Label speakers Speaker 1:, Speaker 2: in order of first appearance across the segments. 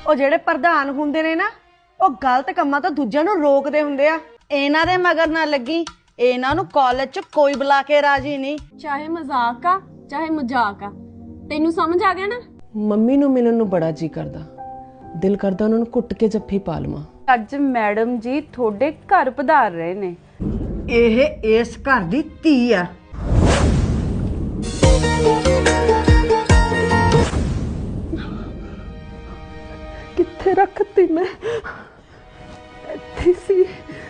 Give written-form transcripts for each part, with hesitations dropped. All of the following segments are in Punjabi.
Speaker 1: ਉਹ ਜਿਹੜੇ ਪ੍ਰਧਾਨ ਹੁੰਦੇ ਨੇ ਨਾ ਉਹ ਗਲਤ ਕੰਮਾਂ ਤੋਂ ਦੂਜਿਆਂ ਨੂੰ ਰੋਕਦੇ ਹੁੰਦੇ ਆ। ਇਹਨਾਂ ਦੇ ਮਗਰ ਨਾ ਲੱਗੀ, ਇਹਨਾਂ ਨੂੰ ਕਾਲਜ 'ਚ ਕੋਈ ਬੁਲਾ ਕੇ ਰਾਜੀ ਨਹੀਂ।
Speaker 2: ਚਾਹੇ ਮਜ਼ਾਕ ਆ ਚਾਹੇ ਮਜ਼ਾਕ ਆ, ਤੈਨੂੰ ਸਮਝ ਆ ਗਿਆ ਨਾ।
Speaker 3: ਮੰਮੀ ਨੂੰ ਮਿਲਣ ਨੂੰ ਬੜਾ ਜੀ ਕਰਦਾ, ਦਿਲ ਕਰਦਾ ਉਹਨਾਂ ਨੂੰ ਘੁੱਟ ਕੇ ਜੱਫੀ ਪਾ ਲਵਾਂ।
Speaker 2: ਅੱਜ ਮੈਡਮ ਜੀ ਤੁਹਾਡੇ ਘਰ ਪਧਾਰ ਰਹੇ ਨੇ।
Speaker 1: ਇਹ ਇਸ ਘਰ ਦੀ ਧੀ ਆ।
Speaker 3: ਕਿੱਥੇ ਰੱਖਤੀ ਮੈਂ? ਇੱਥੇ ਸੀ।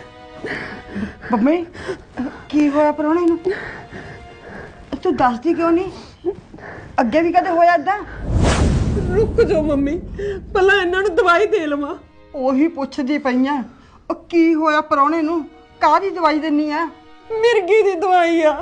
Speaker 1: ਮੰਮੀ ਕੀ ਹੋਇਆ ਪ੍ਰਾਹੁਣੇ ਨੂੰ? ਤੂੰ ਦੱਸਦੀ ਕਿਉਂ ਨਹੀਂ? ਅੱਗੇ ਵੀ ਕਦੇ ਹੋਇਆ ਏਦਾਂ?
Speaker 3: ਰੁਕ ਜਾਓ ਮੰਮੀ, ਪਹਿਲਾਂ ਇਹਨਾਂ ਨੂੰ ਦਵਾਈ ਦੇ ਲਵਾਂ।
Speaker 1: ਉਹੀ ਪੁੱਛਦੀ ਪਈਆਂ, ਉਹ ਕੀ ਹੋਇਆ ਪ੍ਰਾਹੁਣੇ ਨੂੰ? ਕਾਹਦੀ ਦਵਾਈ ਦਿੰਨੀ ਆ?
Speaker 3: ਮਿਰਗੀ ਦੀ ਦਵਾਈ ਆ।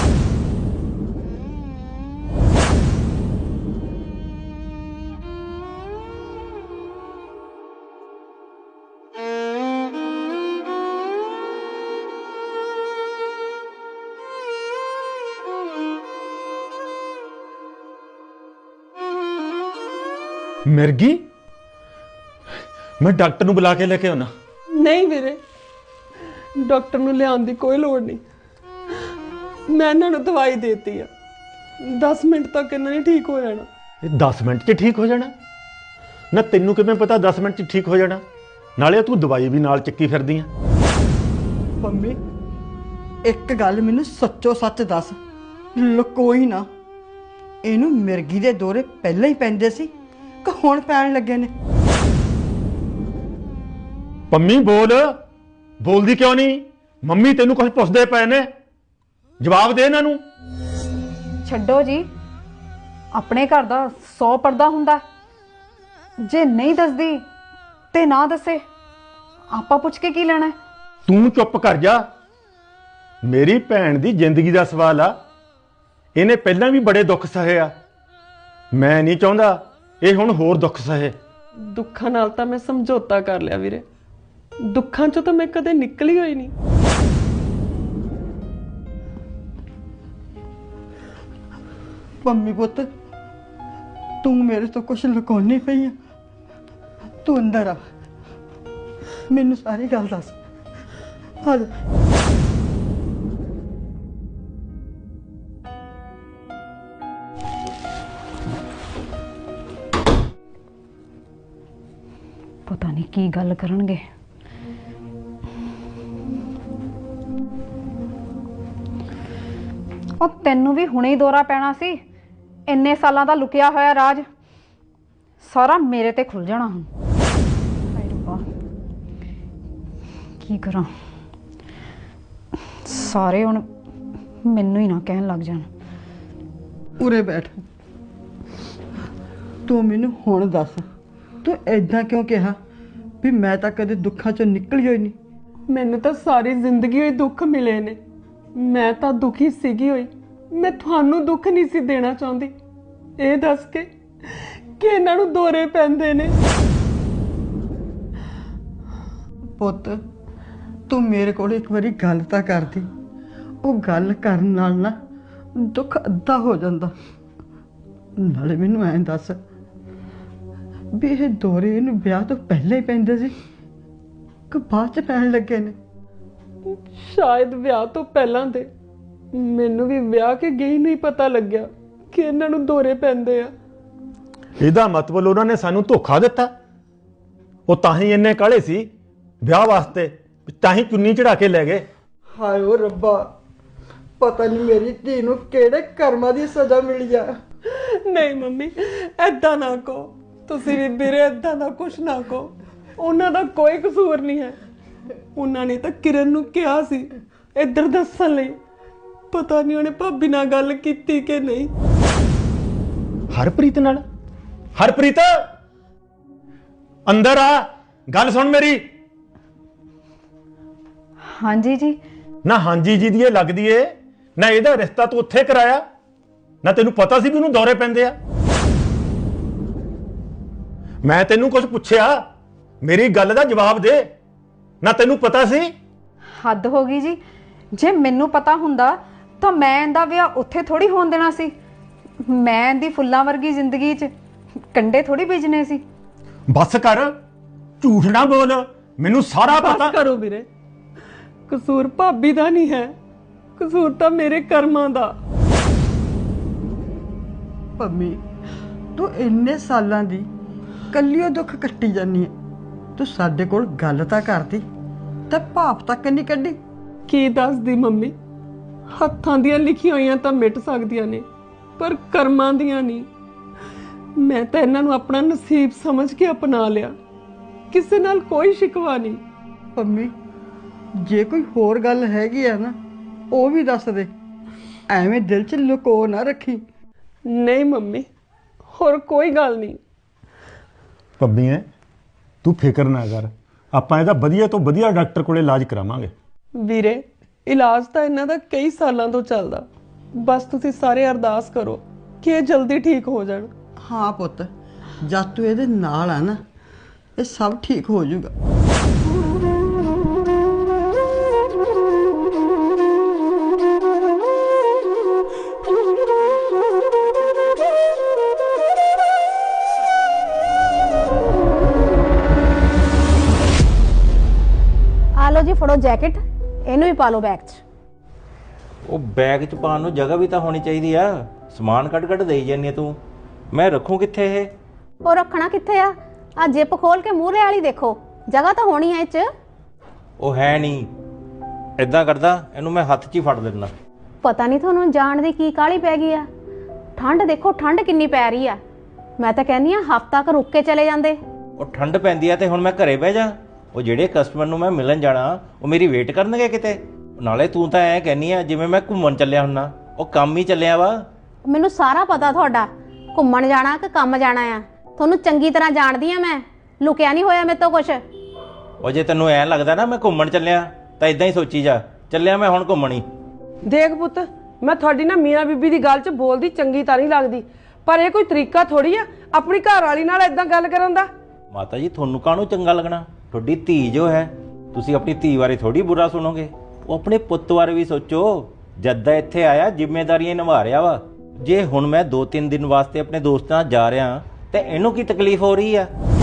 Speaker 4: मिर्गी मैं डॉक्टर ਨੂੰ ਬੁਲਾ ਕੇ ਲੈ ਕੇ ਆਉਣਾ।
Speaker 3: ਨਹੀਂ ਵੀਰੇ, ਡਾਕਟਰ ਨੂੰ ਲਿਆਉਣ ਦੀ ਕੋਈ ਲੋੜ ਨਹੀਂ। ਮੈਂ ਇਹਨਾਂ ਨੂੰ ਦਵਾਈ ਦੇਤੀ ਆ, 10 ਮਿੰਟ ਤੱਕ ਇਹਨਾਂ ਨੇ ਠੀਕ ਹੋ ਜਾਣਾ।
Speaker 4: ਇਹ 10 ਮਿੰਟ 'ਚ ਠੀਕ ਹੋ ਜਾਣਾ? ਨਾ ਤੈਨੂੰ ਕਿਵੇਂ ਪਤਾ 10 ਮਿੰਟ 'ਚ ਠੀਕ ਹੋ ਜਾਣਾ? ਨਾਲੇ ਤੂੰ ਦਵਾਈ ਵੀ ਨਾਲ ਚੱਕੀ ਫਿਰਦੀ ਆ।
Speaker 1: ਮੰਮੀ ਇੱਕ ਗੱਲ ਮੈਨੂੰ ਸੱਚੋ ਸੱਚ ਦੱਸ, ਲੁਕੋਈ ਨਾ। ਇਹਨੂੰ ਮਿਰਗੀ ਦੇ ਦੌਰੇ ਪਹਿਲਾਂ ਹੀ ਪੈਂਦੇ ਸੀ ਕਿ ਹੁਣ ਪੈਣ ਲੱਗੇ ਨੇ?
Speaker 4: ਪੰਮੀ ਬੋਲਦੀ ਕਿਉਂ ਨਹੀਂ? ਮੰਮੀ ਤੈਨੂੰ ਕੁਝ ਪੁੱਛਦੇ ਪਏ ਨੇ, ਜਵਾਬ ਦੇ ਇਹਨਾਂ ਨੂੰ।
Speaker 5: ਛੱਡੋ ਜੀ, ਆਪਣੇ ਘਰ ਦਾ 100 ਪਰਦਾ ਹੁੰਦਾ। ਜੇ ਨਹੀਂ ਦੱਸਦੀ ਤੇ ਨਾ ਦੱਸੇ, ਆਪਾਂ ਪੁੱਛ ਕੇ ਕੀ ਲੈਣਾ?
Speaker 4: ਤੂੰ ਚੁੱਪ ਕਰ ਜਾ। ਮੇਰੀ ਭੈਣ ਦੀ ਜ਼ਿੰਦਗੀ ਦਾ ਸਵਾਲ ਆ। ਇਹਨੇ ਪਹਿਲਾਂ ਵੀ ਬੜੇ ਦੁੱਖ ਸਹੇ ਆ। ਮੈਂ ਨਹੀਂ ਚਾਹੁੰਦਾ ਇਹ ਹੁਣ ਹੋਰ ਦੁੱਖ ਸਹੇ।
Speaker 3: ਦੁੱਖਾਂ ਨਾਲ ਤਾਂ ਮੈਂ ਸਮਝੌਤਾ ਕਰ ਲਿਆ ਵੀਰੇ, ਦੁੱਖਾਂ ਚੋਂ ਤਾਂ ਮੈਂ ਕਦੇ ਨਿਕਲੀ ਹੋਈ ਨਹੀਂ।
Speaker 1: ਮੰਮੀ ਪੁੱਤ, ਤੂੰ ਮੇਰੇ ਤੋਂ ਕੁਝ ਲੁਕਾਉਣੀ ਪਈ ਆ। ਤੂੰ ਅੰਦਰ ਆ, ਮੈਨੂੰ ਸਾਰੀ ਗੱਲ ਦੱਸ। ਆ ਜਾ।
Speaker 5: ਪਤਾ ਨਹੀਂ ਕੀ ਗੱਲ ਕਰਨਗੇ। ਉਹ ਤੈਨੂੰ ਵੀ ਹੁਣੇ ਹੀ ਦੌਰਾ ਪੈਣਾ ਸੀ। ਇੰਨੇ ਸਾਲਾਂ ਦਾ ਲੁਕਿਆ ਹੋਇਆ ਰਾਜ ਸਾਰਾ ਮੇਰੇ ਤੇ ਖੁੱਲ ਜਾਣਾ ਹੁਣ। ਹਾਏ ਰੱਬਾ, ਕੀ ਕਰਾਂ? ਸਾਰੇ ਹੁਣ ਮੈਨੂੰ ਹੀ ਨਾ ਕਹਿਣ ਲੱਗ ਜਾਣ।
Speaker 1: ਉਰੇ ਬੈਠ। ਤੂੰ ਮੈਨੂੰ ਹੁਣ ਦੱਸ, ਤੂੰ ਐਦਾਂ ਕਿਉਂ ਕਿਹਾ ਵੀ ਮੈਂ ਤਾਂ ਕਦੇ ਦੁੱਖਾਂ ਚੋਂ ਨਿਕਲੀ ਹੋਈ ਨਹੀਂ?
Speaker 3: ਮੈਨੂੰ ਤਾਂ ਸਾਰੀ ਜ਼ਿੰਦਗੀ ਹੋਈ ਦੁੱਖ ਮਿਲੇ ਨੇ। ਮੈਂ ਤਾਂ ਦੁਖੀ ਸੀਗੀ ਹੋਈ। ਮੈਂ ਤੁਹਾਨੂੰ ਦੁੱਖ ਨਹੀਂ ਸੀ ਦੇਣਾ ਚਾਹੁੰਦੀ। ਇਹ ਦੱਸ ਕੇ ਕਿ ਇਹਨਾਂ ਨੂੰ ਦੌਰੇ ਪੈਂਦੇ ਨੇ।
Speaker 1: ਪੁੱਤ ਤੂੰ ਮੇਰੇ ਕੋਲ ਇੱਕ ਵਾਰੀ ਗੱਲ ਤਾਂ ਕਰਦੀ। ਉਹ ਗੱਲ ਕਰਨ ਨਾਲ ਨਾ ਦੁੱਖ ਅੱਧਾ ਹੋ ਜਾਂਦਾ। ਨਾਲੇ ਮੈਨੂੰ ਐਂ ਦੱਸ ਵੀ ਇਹ ਦੌਰੇ ਇਹਨੂੰ ਵਿਆਹ ਤੋਂ ਪਹਿਲਾਂ ਹੀ ਪੈਂਦੇ ਸੀ ਕਿ ਬਾਅਦ ਚ ਪੈਣ ਲੱਗੇ ਨੇ?
Speaker 3: ਸ਼ਾਇਦ ਵਿਆਹ ਤੋਂ ਪਹਿਲਾਂ ਦੇ। ਮੈਨੂੰ ਵੀ ਵਿਆਹ ਕੇ ਗਈ ਨਹੀਂ ਪਤਾ ਲੱਗਿਆ ਕਿ ਇਹਨਾਂ ਨੂੰ ਦੌਰੇ ਪੈਂਦੇ ਆ।
Speaker 4: ਇਹਦਾ ਮਤਲਬ ਉਹਨਾਂ ਨੇ ਸਾਨੂੰ ਧੋਖਾ ਦਿੱਤਾ। ਉਹ ਤਾਂ ਹੀ ਇੰਨੇ ਕਾਹਲੇ ਸੀ ਵਿਆਹ ਵਾਸਤੇ, ਤਾਂ ਹੀ ਚੁੰਨੀ ਚੜਾ ਕੇ ਲੈ ਗਏ।
Speaker 1: ਹਾਏ ਓ ਰੱਬਾ, ਪਤਾ ਨਹੀਂ ਮੇਰੀ ਧੀ ਨੂੰ ਕਿਹੜੇ ਕਰਮਾਂ ਦੀ ਸਜ਼ਾ ਮਿਲੀ ਆ।
Speaker 3: ਨਹੀਂ ਮੰਮੀ, ਐਦਾਂ ਨਾ ਕਹੋ। ਤੁਸੀਂ ਵੀ ਵੀਰੇ ਐਦਾਂ ਦਾ ਕੁਛ ਨਾ ਕਹੋ। ਉਹਨਾਂ ਦਾ ਕੋਈ ਕਸੂਰ ਨਹੀਂ ਹੈ। ਉਹਨਾਂ ਨੇ ਤਾਂ ਕਿਰਨ ਨੂੰ ਕਿਹਾ ਸੀ ਇੱਧਰ ਦੱਸਣ ਲਈ। ਪਤਾ ਨਹੀਂ ਉਹਨੇ ਭਾਬੀ ਨਾਲ ਗੱਲ ਕੀਤੀ ਕਿ ਨਹੀਂ।
Speaker 4: ਹਰਪ੍ਰੀਤ ਨਾਲ? ਹਰਪ੍ਰੀਤ ਅੰਦਰ ਆ, ਗੱਲ ਸੁਣ ਮੇਰੀ।
Speaker 5: ਹਾਂਜੀ ਜੀ।
Speaker 4: ਨਾ ਹਾਂਜੀ ਜੀ ਦੀ ਇਹ ਲੱਗਦੀ ਏ, ਨਾ ਇਹਦਾ ਰਿਸ਼ਤਾ ਤੂੰ ਉੱਥੇ ਕਰਾਇਆ, ਨਾ ਤੈਨੂੰ ਪਤਾ ਸੀ ਵੀ ਉਹਨੂੰ ਦੌਰੇ ਪੈਂਦੇ ਆ। ਮੈਂ ਤੈਨੂੰ ਕੁਝ ਪੁੱਛਿਆ, ਮੇਰੀ ਗੱਲ ਦਾ ਜਵਾਬ ਦੇ। ਨਾ ਤੈਨੂੰ ਪਤਾ ਸੀ?
Speaker 5: ਹੱਦ ਹੋ ਗਈ ਜੀ। ਜੇ ਮੈਨੂੰ ਪਤਾ ਹੁੰਦਾ ਤਾਂ ਮੈਂ ਇਹਦਾ ਵਿਆਹ ਉੱਥੇ ਥੋੜੀ ਹੋਣ ਦੇਣਾ ਸੀ। ਮੈਂ ਇਹਦੀ ਫੁੱਲਾਂ ਵਰਗੀ ਜ਼ਿੰਦਗੀ 'ਚ ਕੰਡੇ ਥੋੜੀ ਬੀਜਣੇ ਸੀ।
Speaker 4: ਬਸ ਕਰ, ਝੂਠ ਨਾ ਬੋਲ, ਮੈਨੂੰ ਸਾਰਾ
Speaker 3: ਬਸ
Speaker 4: ਪਤਾ।
Speaker 3: ਕਰੋ ਵੀਰੇ, ਕਸੂਰ ਭਾਬੀ ਦਾ ਨਹੀਂ ਹੈ, ਕਸੂਰ ਤਾਂ ਮੇਰੇ ਕਰਮਾਂ ਦਾ।
Speaker 1: ਪੰਮੀ, ਤੂੰ ਇੰਨੇ ਸਾਲਾਂ ਦੀ ਕੱਲਿਓ ਦੁੱਖ ਕੱਟੀ ਜਾਨੀ ਹੈ। ਤੂੰ ਸਾਡੇ ਕੋਲ ਗੱਲ ਤਾਂ ਕਰਦੀ ਤੇ ਭਾਪ ਤੱਕ ਨਹੀਂ ਕੱਢੀ।
Speaker 3: ਕੀ ਦੱਸਦੀ ਮੰਮੀ, ਹੱਥਾਂ ਦੀਆਂ ਲਿਖੀਆਂ ਹੋਈਆਂ ਤਾਂ ਮਿਟ ਸਕਦੀਆਂ ਨੇ, ਪਰ ਕਰਮਾਂ ਦੀਆਂ ਨਹੀਂ। ਮੈਂ ਤਾਂ ਇਹਨਾਂ ਨੂੰ ਆਪਣਾ ਨਸੀਬ ਸਮਝ ਕੇ ਅਪਣਾ ਲਿਆ, ਕਿਸੇ ਨਾਲ ਕੋਈ ਸ਼ਿਕਵਾ ਨਹੀਂ।
Speaker 1: ਪੰਮੀ, ਜੇ ਕੋਈ ਹੋਰ ਗੱਲ ਹੈਗੀ ਆ ਨਾ, ਉਹ ਵੀ ਦੱਸ ਦੇ, ਐਵੇਂ ਦਿਲ 'ਚ ਲੁਕੋ ਨਾ ਰੱਖੀ।
Speaker 3: ਨਹੀਂ ਮੰਮੀ, ਹੋਰ ਕੋਈ ਗੱਲ ਨਹੀਂ।
Speaker 4: ਪੰਮੀ ਐ, ਤੂੰ ਫਿਕਰ ਨਾ ਕਰ, ਆਪਾਂ ਇਹਦਾ ਵਧੀਆ ਤੋਂ ਵਧੀਆ ਡਾਕਟਰ ਕੋਲੇ ਇਲਾਜ ਕਰਾਵਾਂਗੇ।
Speaker 3: ਵੀਰੇ, ਇਲਾਜ ਤਾਂ ਇਹਨਾਂ ਦਾ ਕਈ ਸਾਲਾਂ ਤੋਂ ਚੱਲਦਾ, ਬਸ ਤੁਸੀਂ ਸਾਰੇ ਅਰਦਾਸ ਕਰੋ ਕਿ ਇਹ ਜਲਦੀ ਠੀਕ ਹੋ ਜਾਣ।
Speaker 1: ਹਾਂ ਪੁੱਤ, ਜਦ ਤੂੰ ਇਹਦੇ ਨਾਲ ਆ ਨਾ, ਇਹ ਸਭ ਠੀਕ ਹੋ ਜਾਊਗਾ।
Speaker 6: ਆ ਲਓ ਜੀ, ਫੜੋ ਜੈਕਟ, ਇਹਨੂੰ ਵੀ ਪਾ ਲਓ ਬੈਗ 'ਚ।
Speaker 7: ਉਹ ਬੈਗ 'ਚ ਪਾਉਣ ਨੂੰ ਜਗ੍ਹਾ ਵੀ ਤਾਂ ਹੋਣੀ ਚਾਹੀਦੀ ਆ। ਸਮਾਨ ਕੱਢ ਦੇਈ ਜਾਂਦੀ ਆ ਤੂੰ, ਮੈਂ ਰੱਖੂੰ ਕਿੱਥੇ ਇਹ?
Speaker 6: ਉਹ ਰੱਖਣਾ ਕਿੱਥੇ ਆ? ਆ ਜਿੱਪ ਖੋਲ ਕੇ ਮੂਹਰੇ ਵਾਲੀ ਦੇਖੋ, ਜਗ੍ਹਾ ਤਾਂ ਹੋਣੀ ਐ ਇਹ 'ਚ।
Speaker 7: ਉਹ ਹੈ ਨਹੀਂ। ਇਦਾਂ ਕਰਦਾ, ਇਹਨੂੰ ਮੈਂ ਹੱਥ 'ਚ ਹੀ ਫੜ ਲੈਣਾ।
Speaker 6: ਪਤਾ ਨਹੀਂ ਤੁਹਾਨੂੰ ਜਾਣ ਦੀ ਕੀ ਕਾਹਲੀ ਪੈ ਗਈ ਆ। ਠੰਡ ਦੇਖੋ, ਠੰਡ ਕਿੰਨੀ ਪੈ ਰਹੀ ਆ। ਮੈਂ ਤਾਂ ਕਹਿੰਦੀ ਆ ਹਫ਼ਤਾ ਕੁ ਰੁੱਕ ਕੇ ਚਲੇ ਜਾਂਦੇ।
Speaker 7: ਉਹ ਠੰਡ ਪੈਂਦੀ ਆ ਤੇ ਹੁਣ ਮੈਂ ਘਰੇ ਬਹਿ ਜਾ? ਉਹ ਜਿਹੜੇ ਕਸਟਮਰ ਨੂੰ ਮੈਂ ਮਿਲਣ ਜਾਣਾ, ਉਹ ਮੇਰੀ ਵੇਟ ਕਰਨਗੇ ਕਿਤੇ? ਨਾਲੇ ਤੂੰ ਤਾਂ ਐਂ ਕਹਿੰਦੀ ਆ ਜਿਵੇਂ ਮੈਂ ਘੁੰਮਣ ਚੱਲਿਆ ਹੁੰਨਾ। ਉਹ ਕੰਮ ਹੀ ਚੱਲਿਆ ਵਾ।
Speaker 6: ਮੈਨੂੰ ਸਾਰਾ ਪਤਾ ਤੁਹਾਡਾ, ਘੁੰਮਣ ਜਾਣਾ ਕਿ ਕੰਮ ਜਾਣਾ ਆ। ਤੁਹਾਨੂੰ ਚੰਗੀ ਤਰ੍ਹਾਂ ਜਾਣਦੀ ਆ ਮੈਂ, ਲੁਕਿਆ ਨਹੀਂ ਹੋਇਆ ਮੇਰੇ ਤੋਂ ਕੁਛ।
Speaker 7: ਉਹ ਜੇ ਤੈਨੂੰ ਐਂ ਲੱਗਦਾ ਨਾ ਮੈਂ ਘੁੰਮਣ ਚੱਲਿਆ, ਤਾਂ ਇਦਾਂ ਹੀ ਸੋਚੀ ਜਾ, ਚੱਲਿਆ ਮੈਂ ਹੁਣ ਘੁੰਮਣ ਹੀ।
Speaker 3: ਦੇਖ ਪੁੱਤ, ਮੈਂ ਤੁਹਾਡੀ ਨਾ ਮੀਆਂ ਬੀਬੀ ਦੀ ਗੱਲ 'ਚ ਬੋਲਦੀ ਚੰਗੀ ਤਾਂ ਨਹੀਂ ਲੱਗਦੀ, ਪਰ ਇਹ ਕੋਈ ਤਰੀਕਾ ਥੋੜੀ ਆ ਆਪਣੀ ਘਰ ਵਾਲੀ ਨਾਲ ਇਦਾਂ ਗੱਲ ਕਰਨ ਦਾ।
Speaker 7: ਮਾਤਾ ਜੀ, ਤੁਹਾਨੂੰ ਕਾਹਨੂੰ ਚੰਗਾ ਲੱਗਣਾ? ਤੁਹਾਡੀ ਧੀ ਜੋ ਹੈ, ਤੁਸੀਂ ਆਪਣੀ ਧੀ ਬਾਰੇ ਥੋੜੀ ਬੁਰਾ ਸੁਣੋਗੇ। ਉਹ ਆਪਣੇ ਪੁੱਤ ਬਾਰੇ ਵੀ ਸੋਚੋ। ਜਦ ਦਾ ਇੱਥੇ ਆਇਆ ਜ਼ਿੰਮੇਵਾਰੀਆਂ ਨਿਭਾ ਰਿਹਾ ਵਾ। ਜੇ ਹੁਣ ਮੈਂ 2-3 ਦਿਨ ਵਾਸਤੇ ਆਪਣੇ ਦੋਸਤਾਂ ਨਾਲ ਜਾ ਰਿਹਾ ਤੇ ਇਹਨੂੰ ਕੀ ਤਕਲੀਫ ਹੋ ਰਹੀ ਆ?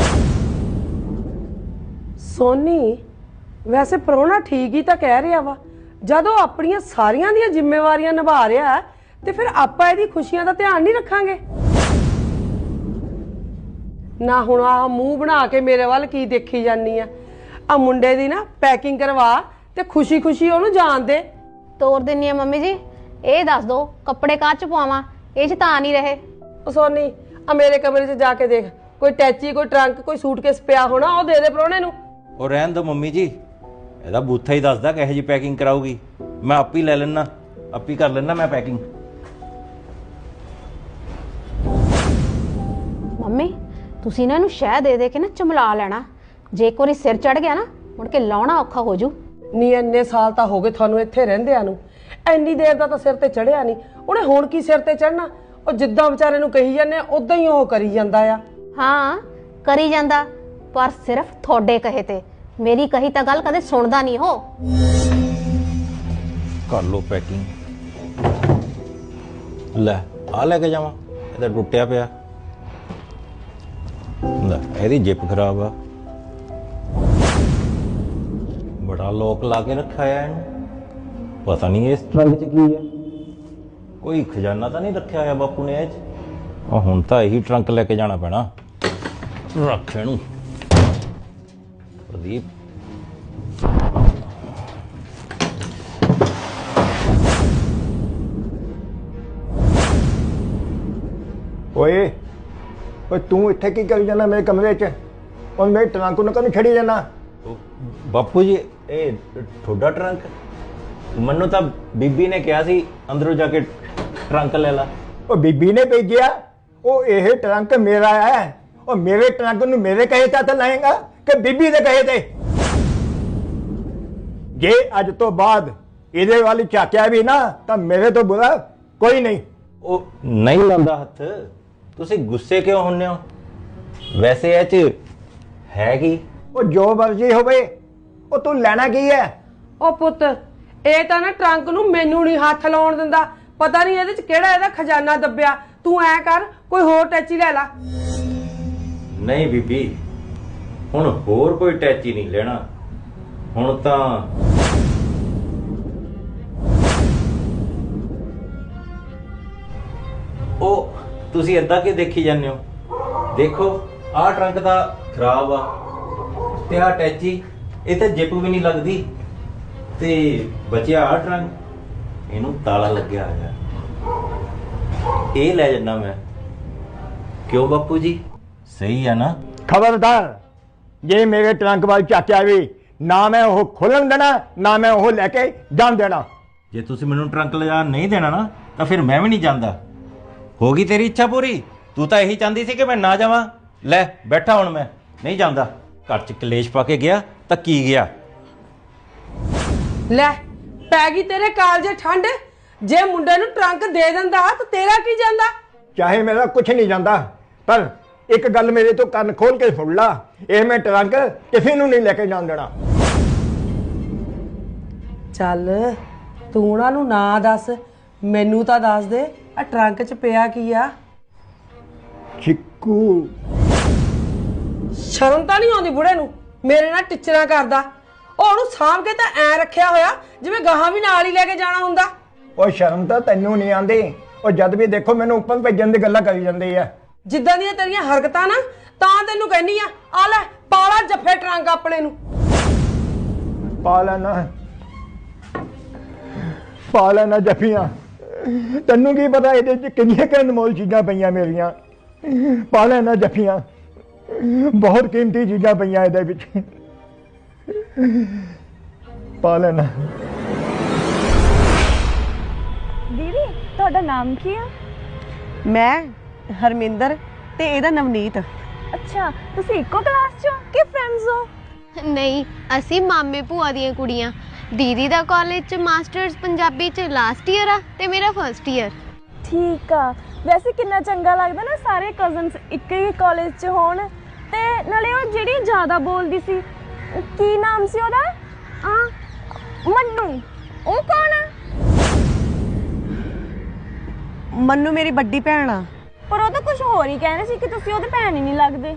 Speaker 3: ਸੋਨੀ, ਵੈਸੇ ਪ੍ਰਾਹੁਣਾ ਠੀਕ ਹੀ ਤਾਂ ਕਹਿ ਰਿਹਾ ਵਾ। ਜਦੋਂ ਆਪਣੀਆਂ ਸਾਰੀਆਂ ਦੀਆਂ ਜ਼ਿੰਮੇਵਾਰੀਆਂ ਨਿਭਾ ਰਿਹਾ ਤੇ ਫਿਰ ਆਪਾਂ ਇਹਦੀ ਖੁਸ਼ੀਆਂ ਦਾ ਧਿਆਨ ਨਹੀਂ ਰੱਖਾਂਗੇ? ਨਾ ਹੁਣ ਆਹ ਮੂੰਹ ਬਣਾ ਕੇ ਮੇਰੇ ਵੱਲ ਕੀ ਦੇਖੀ ਜਾਨੀ ਆ? ਆ ਮੁੰਡੇ ਦੀ ਨਾ ਪੈਕਿੰਗ ਕਰਵਾ ਤੇ ਖੁਸ਼ੀ ਖੁਸ਼ੀ ਉਹਨੂੰ ਜਾਣ ਦੇ।
Speaker 6: ਤੋਰ ਦਿੰਨੀ ਆ ਮੰਮੀ ਜੀ। ਇਹ ਦੱਸ ਦੋ ਕੱਪੜੇ ਕਾਹ 'ਚ ਪਵਾਵਾਂ, ਇਹ 'ਚ ਤਾਂ ਨਹੀਂ ਰਹੇ।
Speaker 3: ਉਹ ਸੋਨੀ, ਆ ਮੇਰੇ ਕਮਰੇ 'ਚ ਜਾ ਕੇ ਦੇਖ, ਕੋਈ ਟੈਚੀ, ਕੋਈ ਟਰੰਕ, ਕੋਈ ਸੂਟਕੇਸ ਪਿਆ ਹੋਣਾ, ਉਹ ਦੇ ਦੇ ਪ੍ਰਾਹੁਣੇ ਨੂੰ।
Speaker 7: ਉਹ ਰਹਿਣ ਦੋ ਮੰਮੀ ਜੀ, ਇਹਦਾ ਬੂਥਾ ਹੀ ਦੱਸਦਾ ਕਿਹੋ ਜਿਹੀ ਪੈਕਿੰਗ ਕਰਾਊਗੀ। ਮੈਂ ਆਪ ਹੀ ਲੈ ਲੈਣਾ, ਆਪ ਹੀ ਕਰ ਲੈਣਾ ਮੈਂ ਪੈਕਿੰਗ।
Speaker 6: ਮੰਮੀ, ਤੁਸੀਂ ਨਾ ਇਹਨੂੰ ਸ਼ਹਿ ਦੇ ਦੇ ਕੇ ਨਾ ਚਮਲਾ ਲੈਣਾ। ਜੇ ਇੱਕ ਵਾਰੀ ਸਿਰ ਚੜ ਗਿਆ ਨਾ, ਮੁੜ ਕੇ ਲਾਉਣਾ ਔਖਾ ਹੋ ਜੂ।
Speaker 3: ਨਹੀਂ, ਇੰਨੇ ਸਾਲ ਤਾਂ ਹੋ ਗਏ ਤੁਹਾਨੂੰ ਇੱਥੇ ਰਹਿੰਦਿਆਂ ਨੂੰ, ਇੰਨੀ ਦੇਰ ਦਾ ਤਾਂ ਸਿਰ ਤੇ ਚੜਿਆ ਨਹੀਂ। ਉਹਨੇ ਹੁਣ ਕੀ ਸਿਰ ਤੇ ਚੜਨਾ? ਉਹ ਜਿੱਦਾਂ ਵਿਚਾਰੇ ਨੂੰ ਕਹੀ ਜਾਂਦੇ ਆ ਉਦਾਂ ਹੀ ਉਹ ਕਰੀ ਜਾਂਦਾ ਆ।
Speaker 6: ਹਾਂ, ਕਰੀ ਜਾਂਦਾ, ਪਰ ਸਿਰਫ ਤੁਹਾਡੇ ਕਹੇ ਤੇ। ਮੇਰੀ ਕਹੀ ਤਾਂ ਗੱਲ ਕਦੇ ਸੁਣਦਾ ਨਹੀਂ ਹੋ।
Speaker 7: ਕਰ ਲੋ ਪੈਕਿੰਗ। ਲੈ ਆ ਲੈ ਕੇ ਜਾਵਾਂ? ਇਹਦਾ ਟੁੱਟਿਆ ਪਿਆ। ਲੈ ਇਹਦੀ ਜਿੱਪ ਖਰਾਬ ਆ। ਬੜਾ ਲੋਕ ਲਾ ਕੇ ਰੱਖਿਆ ਆ ਇਹਨੂੰ। ਪਤਾ ਨਹੀਂ ਇਸ ਟਰੰਕ 'ਚ ਕੀ ਹੈ। ਕੋਈ ਖਜ਼ਾਨਾ ਤਾਂ ਨਹੀਂ ਰੱਖਿਆ ਹੋਇਆ ਬਾਪੂ ਨੇ ਇਹ 'ਚ? ਹੁਣ ਤਾਂ ਇਹੀ ਟਰੰਕ ਲੈ ਕੇ ਜਾਣਾ ਪੈਣਾ। ਰੱਖ ਇਹਨੂੰ ਪ੍ਰਦੀਪ।
Speaker 8: ਓਏ ਤੂੰ ਇੱਥੇ ਕੀ ਕਰੀ ਜਾਂਦਾ ਮੇਰੇ ਕਮਰੇ 'ਚ? ਉਹ ਮੇਰੇ ਟਰੰਕ ਨੂੰ ਕਦੋਂ ਛੱਡੀ ਜਾਂਦਾ?
Speaker 7: ਬਾਪੂ ਜੀ, ਇਹ ਤੁਹਾਡਾ ਟਰੰਕ? ਮੈਨੂੰ ਤਾਂ ਬੀਬੀ ਨੇ ਕਿਹਾ ਸੀ ਅੰਦਰੋਂ ਜਾ ਕੇ ਟਰੰਕ ਲੈ ਲਾ।
Speaker 8: ਉਹ ਬੀਬੀ ਨੇ ਭੇਜਿਆ? ਉਹ ਇਹ ਟਰੰਕ ਮੇਰਾ ਹੈ। ਉਹ ਮੇਰੇ ਟਰੰਕ ਨੂੰ ਮੇਰੇ ਕਹੇ ਤਾਂ ਲਾਏਗਾ ਕਿ ਬੀਬੀ ਦੇ ਕਹੇ ਤੇ? ਜੇ ਅੱਜ ਤੋਂ ਬਾਅਦ ਇਹਦੇ ਵੱਲ ਝਾਕਿਆ ਵੀ ਨਾ ਤਾਂ ਮੇਰੇ ਤੋਂ ਬੁਰਾ ਕੋਈ ਨਹੀਂ।
Speaker 7: ਉਹ ਨਹੀਂ ਲਾਉਂਦਾ ਹੱਥ। ਤੁਸੀਂ ਗੁੱਸੇ ਕਿਉਂ ਹੁੰਨੇ ਹੋ? ਵੈਸੇ ਇਹ 'ਚ ਹੈ ਕੀ?
Speaker 8: ਉਹ ਜੋ ਮਰਜ਼ੀ ਹੋਵੇ, ਉਹ ਤੂੰ ਲੈਣਾ ਕੀ ਹੈ?
Speaker 3: ਉਹ ਪੁੱਤ, ਇਹ ਤਾਂ ਨਾ ਟਰੰਕ ਨੂੰ ਮੈਨੂੰ ਨਹੀਂ ਹੱਥ ਲਾਉਣ ਦਿੰਦਾ। ਪਤਾ ਨਹੀਂ ਇਹਦੇ 'ਚ ਕਿਹੜਾ ਇਹਦਾ ਖਜ਼ਾਨਾ ਦੱਬਿਆ। ਤੂੰ ਐ ਕਰ, ਕੋਈ ਹੋਰ ਟੈਚੀ ਲੈ ਲਾ।
Speaker 7: ਨਹੀਂ ਬੀਬੀ, ਹੁਣ ਹੋਰ ਕੋਈ ਟੈਚੀ ਨਹੀਂ ਲੈਣਾ। ਹੁਣ ਤਾਂ ਉਹ ਤੁਸੀਂ ਏਦਾਂ ਕਿ ਦੇਖੀ ਜਾਂਦੇ ਹੋ? ਦੇਖੋ ਆਹ ਟਰੰਕ ਤਾਂ ਖਰਾਬ ਆ ਤੇ ਆਹ ਟੈਚੀ ਇਹ ਤੇ ਜਿੱਪ ਵੀ ਨਹੀਂ ਲੱਗਦੀ ਤੇ ਬਚਿਆ ਆਹ ਟਰੰਕ, ਇਹਨੂੰ ਤਾਲਾ ਲੱਗਿਆ ਹੋਇਆ। ਇਹ ਲੈ ਜੰਨਾ ਮੈਂ। ਕਿਉਂ ਬਾਪੂ ਜੀ, ਸਹੀ ਆ ਨਾ?
Speaker 8: ਖਬਰਦਾਰ, ਜੇ ਮੇਰੇ ਟਰੰਕ ਵੱਲ ਚਾਚਾ ਵੀ ਨਾ ਮੈਂ ਉਹ ਖੋਲਣ ਦੇਣਾ ਨਾ ਮੈਂ ਉਹ ਲੈ ਕੇ ਜਾਣ ਦੇਣਾ।
Speaker 7: ਜੇ ਤੁਸੀਂ ਮੈਨੂੰ ਟਰੰਕ ਲਿਜਾ ਨਹੀਂ ਦੇਣਾ ਨਾ ਤਾਂ ਫਿਰ ਮੈਂ ਵੀ ਨਹੀਂ ਜਾਂਦਾ। ਹੋ ਗਈ ਤੇਰੀ ਇੱਛਾ ਪੂਰੀ? ਤੂੰ ਤਾਂ ਇਹੀ ਚਾਹੁੰਦੀ ਸੀ ਕਿ ਮੈਂ ਨਾ ਜਾਵਾਂ। ਲੈ ਬੈਠਾ, ਹੁਣ ਮੈਂ ਨਹੀਂ ਜਾਂਦਾ। ਘਰ 'ਚ ਕਲੇਸ਼ ਪਾ ਕੇ ਗਿਆ ਤਾਂ ਕੀ ਗਿਆ?
Speaker 3: ਲੈ ਪੈ ਗਈ ਤੇਰੇ ਕਾਲਜੇ ਠੰਡ। ਜੇ ਮੁੰਡੇ ਨੂੰ ਟਰੰਕ ਦੇ ਦਿੰਦਾ ਤਾਂ ਤੇਰਾ ਕੀ ਜਾਂਦਾ?
Speaker 8: ਚਾਹੇ ਮੇਰਾ ਕੁਝ ਨਹੀਂ ਜਾਂਦਾ, ਪਰ ਇੱਕ ਗੱਲ ਮੇਰੇ ਤੋਂ ਕੰਨ ਖੋਲ ਕੇ ਸੁਣ ਲਾ, ਇਹ ਮੈਂ ਟਰੰਕ ਕਿਸੇ ਨੂੰ ਨਹੀਂ ਲੈ ਕੇ ਜਾਣ ਦੇਣਾ।
Speaker 3: ਚੱਲ ਤੂੰ ਉਹਨਾਂ ਨੂੰ ਨਾ ਦੱਸ, ਮੈਨੂੰ ਤਾਂ ਦੱਸ ਦੇ ਆ ਟਰੰਕ 'ਚ ਪਿਆ ਕੀ ਆ?
Speaker 8: ਚਿੱਕੂ।
Speaker 3: ਸ਼ਰਮ ਤਾਂ ਨਹੀਂ ਆਉਂਦੀ ਬੁੜੇ ਨੂੰ? ਮੇਰੇ ਨਾਲ ਟਿਚਰਾਂ ਕਰਦਾ। ਉਹ ਉਹਨੂੰ ਸਾਂਭ ਕੇ ਤਾਂ ਐ ਰੱਖਿਆ ਹੋਇਆ ਜਿਵੇਂ ਗਾਹਾਂ ਵੀ ਨਾਲ ਹੀ ਲੈ ਕੇ ਜਾਣਾ ਹੁੰਦਾ।
Speaker 8: ਉਹ ਸ਼ਰਮ ਤਾਂ ਤੈਨੂੰ ਨਹੀਂ ਆਉਂਦੀ? ਉਹ ਜਦ ਵੀ ਦੇਖੋ ਮੈਨੂੰ ਉੱਪਰ ਭੇਜਣ ਦੀ ਗੱਲਾਂ ਕਰੀ ਜਾਂਦੀ ਆ।
Speaker 3: ਜਿੱਦਾਂ ਦੀਆਂ ਤੇਰੀਆਂ ਹਰਕਤਾਂ ਨਾ, ਤਾਂ ਤੈਨੂੰ ਕਹਿੰਦੀ ਆ ਲੈ ਪਾਲਾ ਜੱਫੇ ਟਰੰਕ ਆਪਣੇ ਨੂੰ।
Speaker 8: ਪਾ ਲੈਣਾ ਜੱਫੀਆਂ। ਤੈਨੂੰ ਕੀ ਪਤਾ ਇਹਦੇ 'ਚ ਕਿੰਨੀਆਂ ਕੁ ਅਨਮੋਲ ਚੀਜ਼ਾਂ ਪਈਆਂ ਮੇਰੀਆਂ। ਪਾ ਲੈਣਾ ਜੱਫੀਆਂ, ਬਹੁਤ ਕੀਮਤੀ ਚੀਜ਼ਾਂ ਪਈਆਂ ਇਹਦੇ ਵਿੱਚ। ਪਾ ਲੈਣਾ।
Speaker 2: ਦੀਦੀ ਤੁਹਾਡਾ ਨਾਮ ਕੀ ਆ?
Speaker 3: ਮੈਂ ਹਰਮਿੰਦਰ ਤੇ ਇਹਦਾ ਨਵਨੀਤ।
Speaker 2: ਅੱਛਾ, ਤੁਸੀਂ ਇੱਕੋ ਕਲਾਸ 'ਚ ਹੋ ਕਿ ਫਰੈਂਡਸ ਹੋ?
Speaker 9: ਨਹੀਂ, ਅਸੀਂ ਮਾਮੇ ਭੂਆ ਦੀਆਂ ਕੁੜੀਆਂ। ਦੀਦੀ ਦਾ ਕਾਲਜ 'ਚ ਮਾਸਟਰਸ ਪੰਜਾਬੀ 'ਚ ਲਾਸਟ ਈਅਰ ਆ ਤੇ ਮੇਰਾ ਫਰਸਟ ਈਅਰ।
Speaker 2: ਠੀਕ ਆ। ਵੈਸੇ ਕਿੰਨਾ ਚੰਗਾ ਲੱਗਦਾ ਨਾ ਸਾਰੇ ਕਜ਼ਨਸ ਇੱਕ ਹੀ ਕਾਲਜ 'ਚ ਹੋਣ। ਤੇ ਨਾਲੇ ਉਹ ਜਿਹੜੀ ਜ਼ਿਆਦਾ ਬੋਲਦੀ ਸੀ, ਕੀ ਨਾਮ ਸੀ ਉਹਦਾ? ਮੰਨੂ। ਉਹ ਕੌਣ ਆ?
Speaker 3: ਮੰਨੂ ਮੇਰੀ ਵੱਡੀ ਭੈਣ ਆ।
Speaker 2: ਪਰ ਉਹ ਤਾਂ ਕੁਝ ਹੋਰ ਹੀ ਕਹਿੰਦੇ ਸੀ ਕਿ ਤੁਸੀਂ ਉਹਦੇ ਭੈਣ ਹੀ ਨਹੀਂ ਲੱਗਦੇ।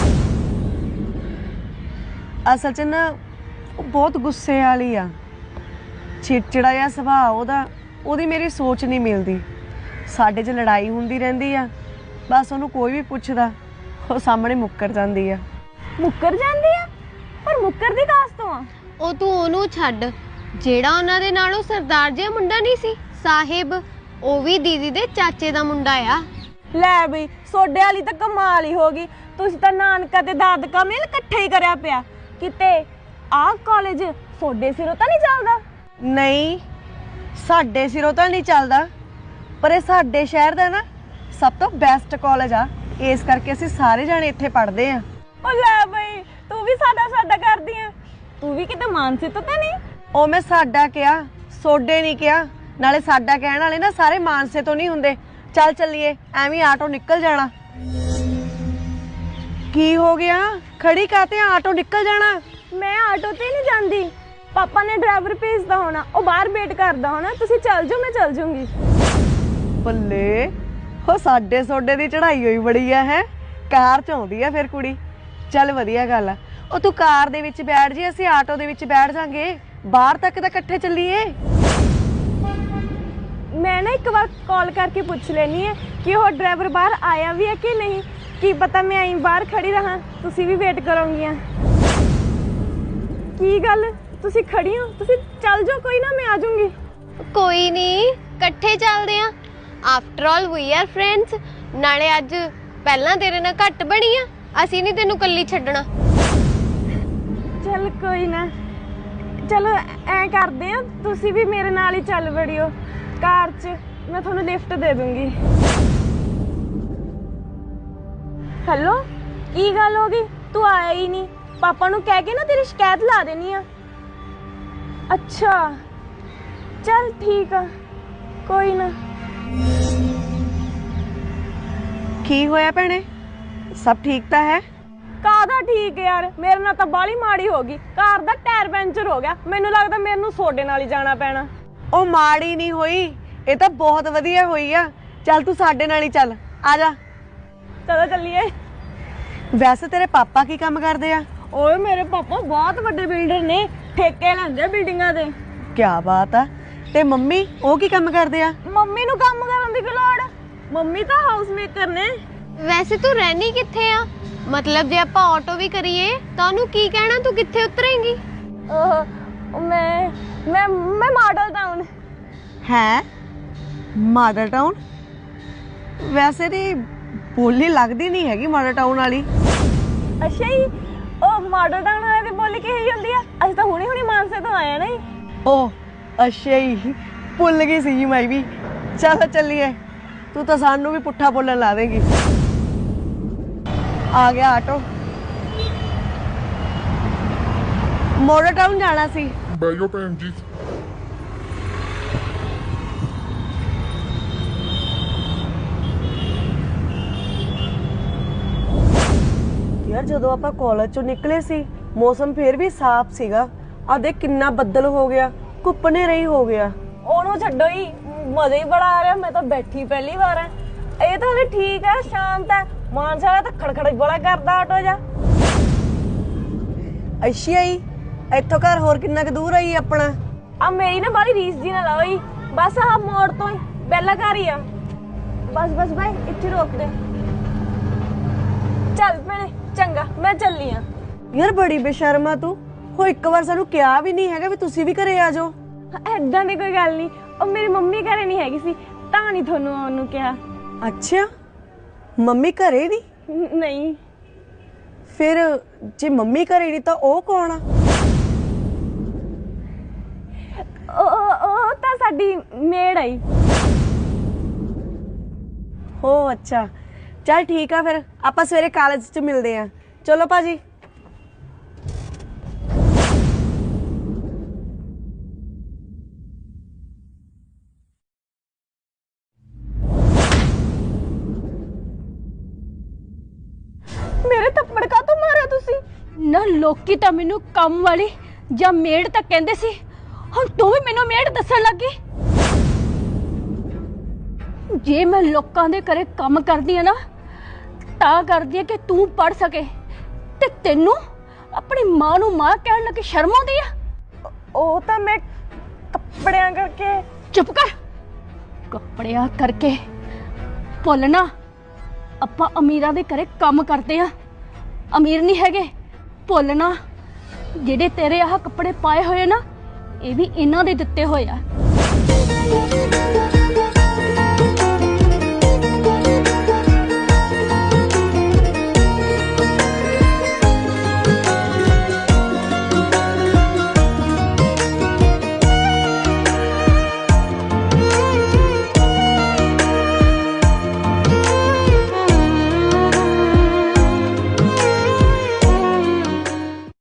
Speaker 3: ਅਸਲ 'ਚ ਨਾ ਉਹ ਬਹੁਤ ਗੁੱਸੇ ਵਾਲੀ ਆ, ਚਿੜਚਿੜਾ ਜਿਹਾ ਸੁਭਾਅ ਉਹਦਾ। ਉਹਦੀ ਮੇਰੀ ਸੋਚ ਨਹੀਂ ਮਿਲਦੀ। ਸਾਡੇ 'ਚ ਲੜਾਈ ਹੁੰਦੀ ਰਹਿੰਦੀ ਆ, ਬਸ ਉਹਨੂੰ ਕੋਈ ਵੀ ਪੁੱਛਦਾ ਉਹ ਸਾਹਮਣੇ ਮੁੱਕਰ ਜਾਂਦੀ ਆ।
Speaker 2: ਮੁੱਕਰ ਜਾਂਦੀ ਆ? ਪਰ ਮੁੱਕਰ ਦੀ ਕਾਸ ਤੋਂ ਆ?
Speaker 9: ਉਹ ਤੂੰ ਉਹਨੂੰ ਛੱਡ, ਜਿਹੜਾ ਉਹਨਾਂ ਦੇ ਨਾਲ ਉਹ ਸਰਦਾਰ ਜਿਹਾ ਮੁੰਡਾ ਨਹੀਂ ਸੀ ਸਾਹਿਬ, ਉਹ ਵੀ ਦੀਦੀ ਦੇ ਚਾਚੇ ਦਾ ਮੁੰਡਾ ਆ।
Speaker 2: ਲੈ ਬਈ, ਸੋਡੇ ਵਾਲੀ ਤਾਂ ਕਮਾਲ ਹੀ ਹੋ ਗਈ। ਤੁਸੀਂ ਤਾਂ ਨਾਨਕਾ ਤੇ ਦਾਦਕਾ ਮੇਲ ਇਕੱਠੇ ਹੀ ਕਰਿਆ ਪਿਆ। ਕਿਤੇ ਆਹ ਕਾਲਜ ਸੋਡੇ ਸਿਰੋਂ ਤਾਂ ਨਹੀਂ ਚੱਲਦਾ?
Speaker 3: ਨਹੀਂ, ਸਾਡੇ ਸਿਰੋਂ ਤਾਂ ਨਹੀਂ ਚੱਲਦਾ, ਪਰ ਇਹ ਸਾਡੇ ਸ਼ਹਿਰ ਦਾ ਨਾ ਸਭ ਤੋਂ ਬੈਸਟ ਕਾਲਜ ਆ। ਇਸ ਕਰਕੇ ਅਸੀਂ ਸਾਰੇ ਜਾਣੇ ਇੱਥੇ ਪੜ੍ਹਦੇ ਆ।
Speaker 2: ਉਹ ਲੈ ਬਈ, ਤੂੰ ਵੀ ਸਾਡਾ ਕਰਦੀ ਆ। ਤੂੰ ਵੀ ਕਿਤੇ ਮਾਨਸੀ ਤੋਂ ਤਾਂ ਨਹੀਂ?
Speaker 3: ਉਹ ਮੈਂ ਸਾਡਾ ਕਿਹਾ, ਸੋਡੇ ਨਹੀਂ ਕਿਹਾ। ਨਾਲੇ ਸਾਡਾ ਕਹਿਣ ਵਾਲੇ ਨਾ ਸਾਰੇ ਮਾਨਸੇ ਤੋਂ ਨਹੀਂ ਹੁੰਦੇ। ਚੱਲ ਚੱਲੀਏ, ਐਵੇਂ ਆਟੋ ਨਿਕਲ ਜਾਣਾ। ਕੀ ਹੋ ਗਿਆ? ਖੜੀ ਕਾਤੇ? ਆਟੋ ਨਿਕਲ ਜਾਣਾ।
Speaker 2: ਮੈਂ ਆਟੋ ਤੇ ਨਹੀਂ ਜਾਂਦੀ। ਪਾਪਾ ਨੇ ਡਰਾਈਵਰ ਭੇਜਦਾ ਹੋਣਾ, ਉਹ ਬਾਹਰ ਵੇਟ ਕਰਦਾ ਹੋਣਾ। ਤੁਸੀਂ ਚੱਲ ਜਾਓ, ਮੈਂ ਚੱਲ ਜਾਊਂਗੀ।
Speaker 3: ਬੱਲੇ, ਉਹ ਸਾਡੇ ਸੋਡੇ ਦੀ ਚੜਾਈ ਹੋਈ ਬੜੀ ਆ। ਹੈ ਕਾਰ 'ਚ ਆਉਂਦੀ ਆ ਫਿਰ ਕੁੜੀ। ਚੱਲ ਵਧੀਆ ਗੱਲ ਆ। ਉਹ ਤੂੰ ਕਾਰ ਦੇ ਵਿੱਚ ਬੈਠ ਜੀ, ਅਸੀਂ ਆਟੋ ਦੇ ਵਿੱਚ ਬੈਠ ਜਾਾਂਗੇ। ਬਾਹਰ ਤੱਕ ਤਾਂ ਇਕੱਠੇ ਚੱਲੀਏ।
Speaker 2: ਮੈਂ ਨਾ ਇੱਕ ਵਾਰ ਕਾਲ ਕਰਕੇ ਪੁੱਛ ਲੈਣੀ ਹੈ ਕਿ ਉਹ ਡਰਾਈਵਰ ਬਾਹਰ ਆਇਆ ਵੀ ਹੈ ਕਿ ਨਹੀਂ। ਕੀ ਪਤਾ ਮੈਂ ਆਈ ਬਾਹਰ ਖੜੀ ਰਹਾਂ, ਤੁਸੀਂ ਵੀ ਵੇਟ ਕਰੋਗੀਆਂ। ਕੀ ਗੱਲ, ਤੁਸੀਂ ਖੜੀ ਹੋ? ਤੁਸੀਂ ਚੱਲ ਜਾਓ, ਕੋਈ ਨਾ ਮੈਂ ਆ ਜਾਊਂਗੀ।
Speaker 9: ਕੋਈ ਨਹੀਂ, ਇਕੱਠੇ ਚੱਲਦੇ ਆ। After all we are friends. ਨਾਲੇ ਅੱਜ ਪਹਿਲਾਂ ਤੇਰੇ ਨਾਲ ਘੱਟ ਬਣੀ ਆ, ਅਸੀਂ ਨਹੀਂ ਤੈਨੂੰ ਇਕੱਲੀ ਛੱਡਣਾ।
Speaker 2: ਚੱਲ ਕੋਈ ਨਾ, ਚਲੋ ਐ ਕਰਦੇ ਆ, ਤੁਸੀਂ ਵੀ ਮੇਰੇ ਨਾਲ ਹੀ ਚੱਲ ਵੜਿਓ ਕਾਰ 'ਚ। ਮੈਂ ਤੁਹਾਨੂੰ ਲਿਫਟ ਦੇ ਦੂੰਗੀ। ਹੈਲੋ, ਕੀ ਗੱਲ ਹੋ ਗਈ? ਤੂੰ ਆਇਆ ਹੀ ਨਹੀਂ। ਪਾਪਾ ਨੂੰ ਕਹਿ ਕੇ ਨਾ ਤੇਰੀ ਸ਼ਿਕਾਇਤ ਲਾ ਦੇਣੀ ਆ। ਅੱਛਾ ਚੱਲ ਠੀਕ ਆ, ਕੋਈ ਨਾ।
Speaker 3: ਕੀ ਹੋਇਆ ਭੈਣੇ? ਸਭ ਠੀਕ ਤਾਂ ਹੈ?
Speaker 2: ਕਾਹਦਾ ਠੀਕ ਯਾਰ, ਮੇਰੇ ਨਾਲ ਤਾਂ ਬਾਲੀ ਮਾੜੀ ਹੋ ਗਈ। ਕਾਰ ਦਾ ਟਾਇਰ ਪੈਂਚਰ ਹੋ ਗਿਆ। ਮੈਨੂੰ ਲੱਗਦਾ ਮੈਨੂੰ ਸੋਡੇ ਨਾਲ ਹੀ ਜਾਣਾ ਪੈਣਾ।
Speaker 3: ਉਹ ਮਾੜੀ ਨਹੀਂ ਹੋਈ, ਇਹ ਤਾਂ ਬਹੁਤ ਵਧੀਆ ਹੋਈ ਆ। ਚੱਲ ਤੂੰ ਸਾਡੇ ਨਾਲ ਹੀ ਚੱਲ, ਆ ਜਾ।
Speaker 2: ਚਲੋ ਚੱਲੀਏ।
Speaker 3: ਵੈਸੇ ਤੇਰੇ ਪਾਪਾ ਕੀ ਕੰਮ ਕਰਦੇ ਆ?
Speaker 2: ਓਏ ਮੇਰੇ ਪਾਪਾ ਬਹੁਤ ਵੱਡੇ ਬਿਲਡਰ ਨੇ, ਠੇਕੇ ਲੈਂਦੇ ਬਿਲਡਿੰਗਾਂ ਦੇ।
Speaker 10: ਕੀ ਬਾਤ ਆ। ਤੇ ਮੰਮੀ ਉਹ ਕੀ ਕੰਮ ਕਰਦੇ ਆ?
Speaker 2: ਮੰਮੀ ਨੂੰ ਕੰਮ ਕਰਨ ਦੀ ਕੀ ਲੋੜ, ਮੰਮੀ ਤਾਂ ਹਾਊਸ ਮੇਕਰ ਨੇ।
Speaker 9: ਵੈਸੇ ਤੂੰ ਰਹਿਣੀ ਕਿੱਥੇ ਆ? ਮਤਲਬ ਜੇ ਆਪਾਂ ਆਟੋ ਵੀ ਕਰੀਏ ਤਾਂ ਉਹਨੂੰ ਕੀ ਕਹਿਣਾ, ਤੂੰ ਕਿੱਥੇ ਉਤਰੇਂਗੀ?
Speaker 2: ਮੈਂ ਮਾਡਲ ਟਾਊਨ।
Speaker 10: ਹੈ ਮਾਡਲ ਟਾਊਨ? ਵੈਸੇ ਦੀ ਬੋਲੀ ਲੱਗਦੀ ਨਹੀਂ ਹੈਗੀ ਮਾਡਲ ਟਾਊਨ ਵਾਲੀ।
Speaker 2: ਅੱਛਾ ਜੀ, ਉਹ ਮਾਡਲ ਟਾਊਨ ਵਾਲੇ ਦੀ ਬੋਲੀ ਕਿਹੀ ਹੁੰਦੀ ਆ? ਅਸੀਂ ਤਾਂ ਹੁਣੀ ਮਾਨਸੇ ਤੋਂ ਆਏ ਆ ਨਾ ਜੀ।
Speaker 10: ਓ ਅੱਛਾ ਹੀ, ਭੁੱਲ ਗਈ ਸੀ ਜੀ ਮੈਂ ਵੀ। ਚਲੋ ਚੱਲੀਏ, ਤੂੰ ਤਾਂ ਸਾਨੂੰ ਵੀ ਪੁੱਠਾ ਬੋਲਣ ਲਾ ਦੇਂਗੀ। ਆ ਗਿਆ ਆਟੋ। ਮਾਡਲ ਟਾਊਨ ਜਾਣਾ ਸੀ।
Speaker 11: ਬੈਜੋ ਭੈਣ ਜੀ।
Speaker 10: ਯਾਰ ਜਦੋਂ ਆਪਾਂ ਕਾਲਜ ਚੋਂ ਨਿਕਲੇ ਸੀ ਮੌਸਮ ਫੇਰ ਵੀ ਸਾਫ਼ ਸੀਗਾ, ਆ ਦੇਖ ਕਿੰਨਾ ਬੱਦਲ ਹੋ ਗਿਆ, ਧੁੱਪ ਹਨੇਰਾ ਹੋ ਗਿਆ।
Speaker 2: ਉਹਨੂੰ ਛੱਡੋ ਹੀ, ਮਜ਼ਾ ਹੀ ਬੜਾ ਆ ਰਿਹਾ। ਮੈਂ ਤਾਂ ਬੈਠੀ ਪਹਿਲੀ ਵਾਰ ਆ। ਇਹ ਤਾਂ ਹਲੇ ਠੀਕ ਹੈ, ਸ਼ਾਂਤ ਹੈ। ਮਾਨਸਾ ਵਾਲਾ ਤਾਂ ਖੜਖੜ ਬੜਾ ਕਰਦਾ ਆਟੋ ਜਾ।
Speaker 10: ਅੱਛਾ ਹੀ, ਇੱਥੋਂ ਘਰ ਹੋਰ ਕਿੰਨਾ ਕੁ ਦੂਰ ਆਈ ਆਪਣਾ?
Speaker 2: ਆ ਮੇਰੀ ਨਾ ਬਾਲੀ ਰੀਸ ਜੀ ਨਾ ਲਾਓ ਜੀ, ਬਸ ਆਹ ਮੋੜ ਤੋਂ ਹੀ ਪਹਿਲਾ ਘਰ ਹੀ ਆ। ਬਸ ਬਾਈ ਇੱਥੇ ਰੋਕ ਦੇ। ਚੱਲ ਭੈਣੇ ਚੰਗਾ, ਮੈਂ ਚੱਲੀ ਆ।
Speaker 10: ਯਾਰ ਬੜੀ ਬੇਸ਼ਰਮ ਆ ਤੂੰ, ਹੋ ਇੱਕ ਵਾਰ ਸਾਨੂੰ ਕਿਹਾ ਵੀ ਨਹੀਂ ਹੈਗਾ ਵੀ ਤੁਸੀਂ ਵੀ ਘਰੇ ਆ ਜਾਓ।
Speaker 2: ਏਦਾਂ ਦੀ ਕੋਈ ਗੱਲ ਨਹੀਂ, ਉਹ ਮੇਰੀ ਮੰਮੀ ਘਰੇ ਨਹੀਂ ਹੈਗੀ ਸੀ ਤਾਂ ਨਹੀਂ ਤੁਹਾਨੂੰ ਆਉਣ ਨੂੰ ਕਿਹਾ।
Speaker 10: ਅੱਛਾ, ਮੰਮੀ ਘਰੇ ਨਹੀਂ?
Speaker 2: ਨਹੀਂ।
Speaker 10: ਫਿਰ ਜੇ ਮੰਮੀ ਘਰੇ ਨਹੀਂ ਤਾਂ ਉਹ ਕੌਣ ਆ?
Speaker 2: ਉਹ ਤਾਂ ਸਾਡੀ ਮੇੜ ਆਈ।
Speaker 10: ਹੋ ਅੱਛਾ, ਚੱਲ ਠੀਕ ਆ, ਫਿਰ ਆਪਾਂ ਸਵੇਰੇ ਕਾਲਜ 'ਚ ਮਿਲਦੇ ਆ। ਚਲੋ ਭਾਜੀ।
Speaker 2: ਮੇਰੇ ਥੱਪੜ ਕਾਹਤੋਂ ਮਾਰਿਆ ਤੁਸੀਂ?
Speaker 6: ਨਾ ਲੋਕੀ ਤਾਂ ਮੈਨੂੰ ਕੰਮ ਵਾਲੀ ਜਾਂ ਮੇੜ ਤਾਂ ਕਹਿੰਦੇ ਸੀ, ਹੁਣ ਤੂੰ ਵੀ ਮੈਨੂੰ ਮੇੜ ਦੱਸਣ ਲੱਗੀ। ਜੇ ਮੈਂ ਲੋਕਾਂ ਦੇ ਘਰੇ ਕੰਮ ਕਰਦੀ ਆ ਨਾ ਤਾਂ ਕਰਦੀ ਆ ਕਿ ਤੂੰ ਪੜ ਸਕੇ, ਤੇ ਤੈਨੂੰ ਆਪਣੀ ਮਾਂ ਨੂੰ ਮਾਂ ਕਹਿਣ ਲੱਗੀ ਸ਼ਰਮ ਆਉਂਦੀ ਆ?
Speaker 2: ਉਹ ਤਾਂ ਮੈਂ ਕੱਪੜਿਆਂ ਕਰਕੇ।
Speaker 6: ਚੁੱਪ ਕਰ। ਕੱਪੜਿਆਂ ਕਰਕੇ ਭੁੱਲਣਾ, ਆਪਾਂ ਅਮੀਰਾਂ ਦੇ ਘਰੇ ਕੰਮ ਕਰਦੇ ਆ, ਅਮੀਰ ਨਹੀਂ ਹੈਗੇ। ਭੁੱਲਣਾ, ਜਿਹੜੇ ਤੇਰੇ ਆਹ ਕੱਪੜੇ ਪਾਏ ਹੋਏ ਨਾ ਇਹ ਵੀ ਇਹਨਾਂ ਦੇ ਦਿੱਤੇ ਹੋਏ ਆ।